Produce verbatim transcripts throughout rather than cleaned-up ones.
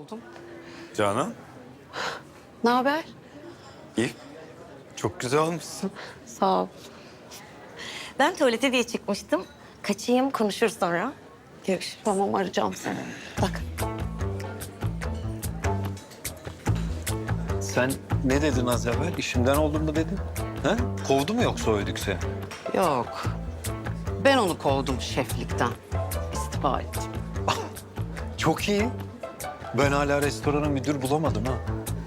oldum. Canan, Ne haber? iyi. Çok güzel olmuşsun. Sağ ol. Ben tuvalete diye çıkmıştım. Kaçayım, konuşuruz sonra. Görüşürüz. Tamam, arayacağım seni. Bak. Sen ne dedin az evvel? İşimden oldum mu dedin? Ha? Kovdu mu yoksa o ödükse? Yok. Ben onu kovdum şeflikten. İstifa ettim. Çok iyi. Ben hala restorana müdür bulamadım ha.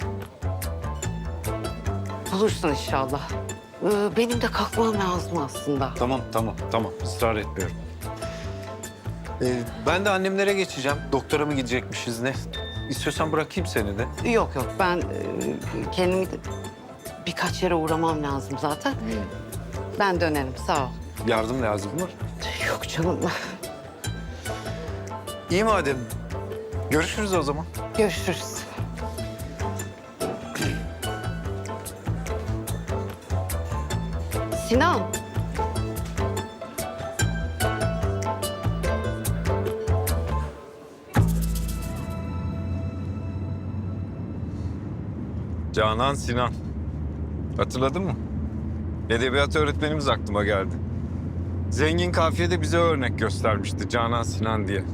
Bulursun inşallah. Ee, benim de kalkmam lazım aslında. Tamam, tamam, tamam. Israr etmiyorum. Ee, ben de annemlere geçeceğim. Doktora mı gidecekmişiz ne? İstiyorsan bırakayım seni de. Yok yok, ben e, kendimi de birkaç yere uğramam lazım zaten. Ben dönerim, sağ ol. Yardım lazım mı? Yok canım. İyi madem. Görüşürüz o zaman. Görüşürüz. Sinan. Canan Sinan. Hatırladın mı? Edebiyat öğretmenimiz aklıma geldi. Zengin kafiyede bize örnek göstermişti Canan Sinan diye.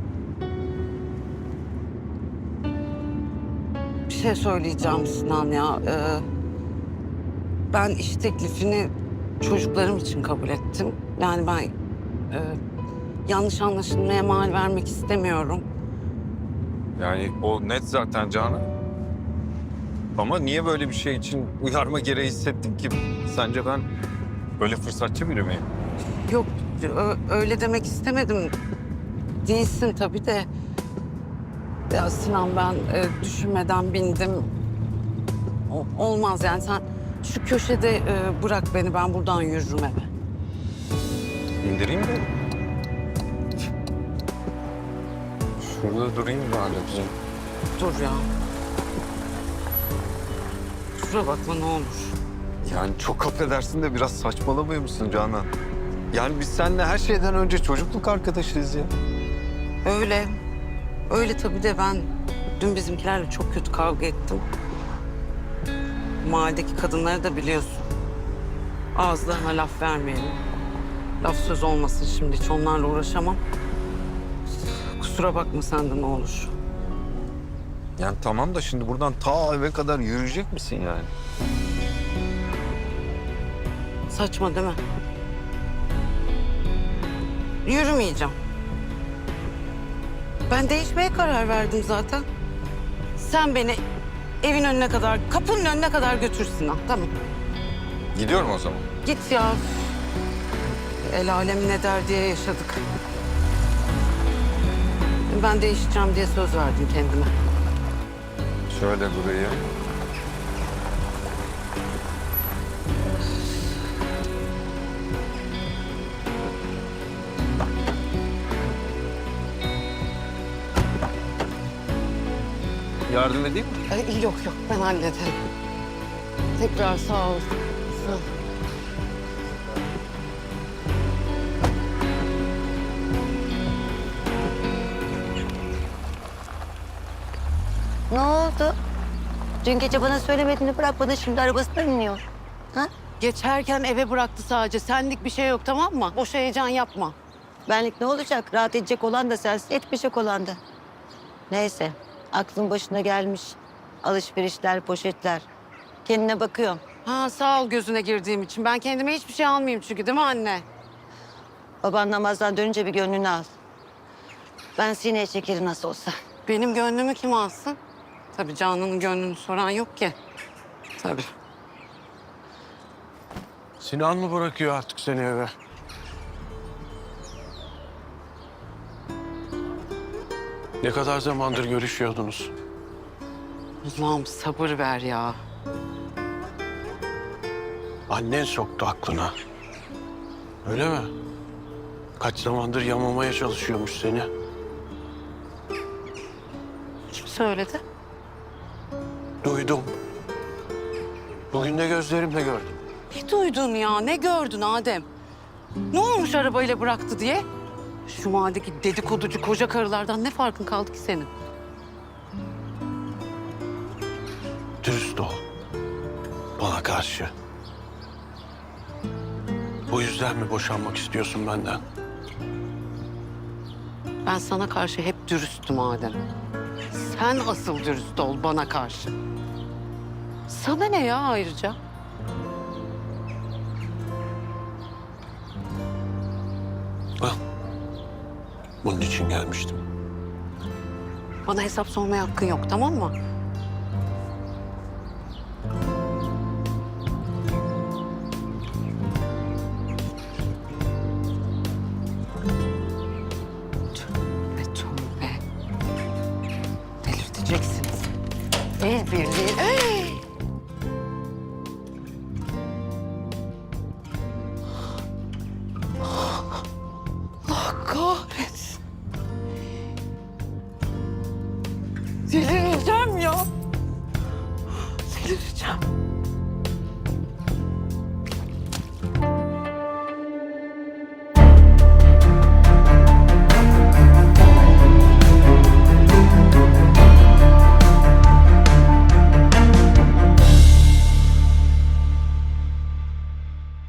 Bir şey söyleyeceğim Sinan ya. Ee, ben iş teklifini çocuklarım için kabul ettim. Yani ben e, yanlış anlaşılmaya mal vermek istemiyorum. Yani o net zaten Canan. Ama niye böyle bir şey için uyarma gereği hissettin ki? Sence ben böyle fırsatçı biri miyim? Yok, ö- öyle demek istemedim. Değilsin tabii de. Ya Sinan, ben e, düşünmeden bindim. O- olmaz yani, sen şu köşede e, bırak beni, ben buradan yürürüm eve. İndireyim de. Şurada durayım bari. Dur ya. Şuraya bakma ne olur. Yani çok affedersin de biraz saçmalamıyor musun Canan? Yani biz seninle her şeyden önce çocukluk arkadaşıyız ya. Öyle. Öyle tabii de ben dün bizimkilerle çok kötü kavga ettim. Mahalledeki kadınları da biliyorsun. Ağızlarına laf vermeyelim. Laf söz olmasın şimdi, hiç onlarla uğraşamam. Kusura bakma sen de ne olur. Yani tamam da şimdi buradan ta eve kadar yürüyecek misin yani? Saçma değil mi? Yürümeyeceğim. Ben değişmeye karar verdim zaten. Sen beni evin önüne kadar, kapının önüne kadar götürsün ha, tamam. Gidiyorum o zaman. Git ya. El alem ne der diye yaşadık. Ben değişeceğim diye söz verdim kendime. Şöyle durayım. Yardım edeyim mi? Ay, yok yok, ben hallederim. Tekrar sağ ol. Sağ ol. Ne oldu? Dün gece bana söylemediğini bırak, bana şimdi arabasından iniyor. Ha? Geçerken eve bıraktı sadece. Senlik bir şey yok, tamam mı? Boş heyecan yapma. Benlik ne olacak? Rahat edecek olan da sensin, etmeyecek olan da. Neyse, aklın başına gelmiş. Alışverişler, poşetler. Kendine bakıyorum. Ha, sağ ol gözüne girdiğim için. Ben kendime hiçbir şey almayayım çünkü, değil mi anne? Baban namazdan dönünce bir gönlünü al. Ben sineye çekerim nasıl olsa. Benim gönlümü kim alsın? Tabii Canan'ın gönlünü soran yok ki. Tabii. Sinan mı bırakıyor artık seni eve? Ne kadar zamandır görüşüyordunuz? Allah'ım sabır ver ya. Annen soktu aklına. Öyle mi? Kaç zamandır yamamaya çalışıyormuş seni. Kim söyledi? Duydum. Bugün de gözlerimle gördüm. Ne duydun ya? Ne gördün Adem? Ne olmuş arabayla bıraktı diye? Şu mahalledeki dedikoducu koca karılardan ne farkın kaldı ki senin? Dürüst ol. Bana karşı. Bu yüzden mi boşanmak istiyorsun benden? Ben sana karşı hep dürüstüm Adem. Sen asıl dürüst ol bana karşı. Sana ne ya ayrıca? Al. Bunun için gelmiştim. Bana hesap sormaya hakkın yok, tamam mı? Tövbe tövbe. Delirteceksiniz. El birliği. Hey! Allah kahretsin. Delireceğim ya. Delireceğim.